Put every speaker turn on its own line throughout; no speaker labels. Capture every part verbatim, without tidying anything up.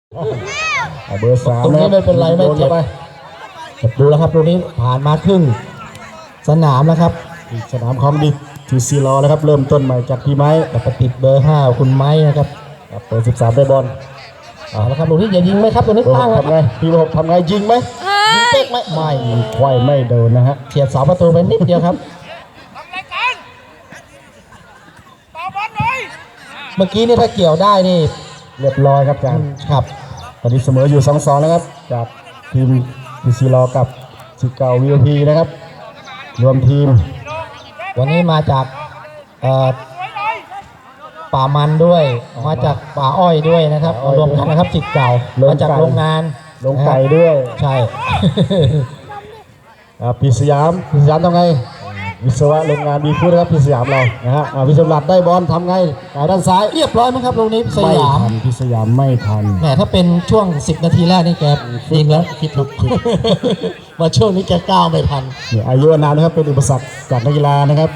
เบอร์สาม
ตรงนี้ไม่เป็นไรไม่เจ็บดูแล้วครับตรงนี้ผ่านมาครึ่งสนามแล้วครับ
สนามคอมดิทีซีรอแล้วครับเริ่มต้นใหม่จากพี่ไม้
แต่ติดเบอร์ห้าคุณไม้นะครับ
เบอร์สิบสามได้บอล
เอาละครับตรงนี้อย่ายิงไหมครับตรงนี้ตั้ง
ทำไงพี่บอกทำไงยิงไหมยิงเป๊กไหมไม่ควายไม่โดนนะฮะ
เฉียดเสาประตูไปนิดเดียวครับเมื่อกี้นี่ถ้าเกี่ยวได้นี่
เรียบร้อยครับอาจารย์
ครับ
ตอนนี้เสมออยู่ สองสอง แล้วครับจากทีมทีซีรอกับสิเก่าวีโอพีนะครับรวมทีม
วันนี้มาจากป่ามันด้วยมาจากป่าอ้อยด้วยนะครับรวมกันนะครับสิเก่ามาจากโรงงาน
ลงไก่ด้วย
ใช่
ปีสยามปีสยามทำไงวิศวะโรงงานมีพูดนะครับพี่สยามเรานะฮะวิศวะได้บอลทำไงด้านซ้าย
เรียบร้อยไหมครับตรงนี้สยาม
พี่สยามไม่ทัน
แหมถ้าเป็นช่วงสิบนาทีแรกนี่แกยิงแล้วคิดถูกมาช่วงนี้แกก้าวไม่ทัน
เนี่ยอายุนานนะครับเป็นอุปสรรคจากนักกีฬานะครับ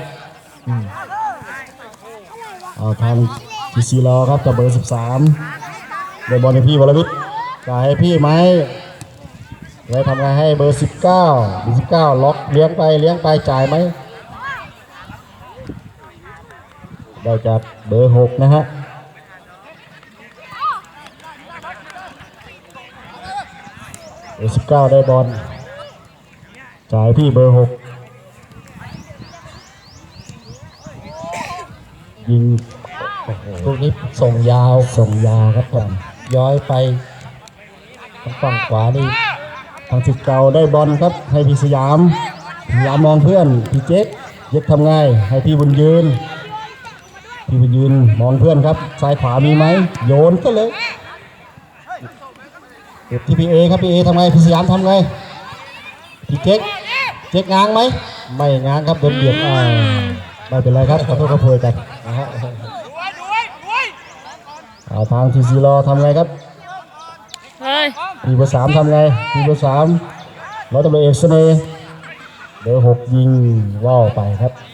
เอาทางทีซีรอครับกับเบอร์สิบสามได้บอลให้พี่วรวิทย์จ่ายให้พี่ไหมไว้ทำไงให้เบอร์สิบเก้าเบอร์สิบเก้าล็อกเลี้ยงไปเลี้ยงไปจ่ายไหมได้จากเบอร์หกนะฮะเบอร์สิบเก้าได้บอลจ่ายพี่เบอร์หกยิง
ลูกนี้ส่งยาว
ส่งยาวครับผม
ย้อยไปทางฝั่งขวานี่
ทางสิเก่าได้บอลครับให้พี่สยามสยามมองเพื่อนพี่เจ๊กเจ๊กทำไงให้พี่บุญยืนพี่บุญยืนมองเพื่อนครับซ้ายขวามีไหมโยนก็เลยเด็กที่พี่เอครับพี่เอทำไงพี่สยามทำไงพี่เจ๊กเจ๊กง้างไหมไม่ง้างครับโดนเบียดอ่าไม่เป็นไรครับขอโทษขอโพยกันนะฮะเอาทางทีซีรอทำไงครับทีเบอร์สามทำไงทีเบอร์สามร้อยตำรวจเอกเสน่ห์เบอร์หกยิงว่าวไปครับ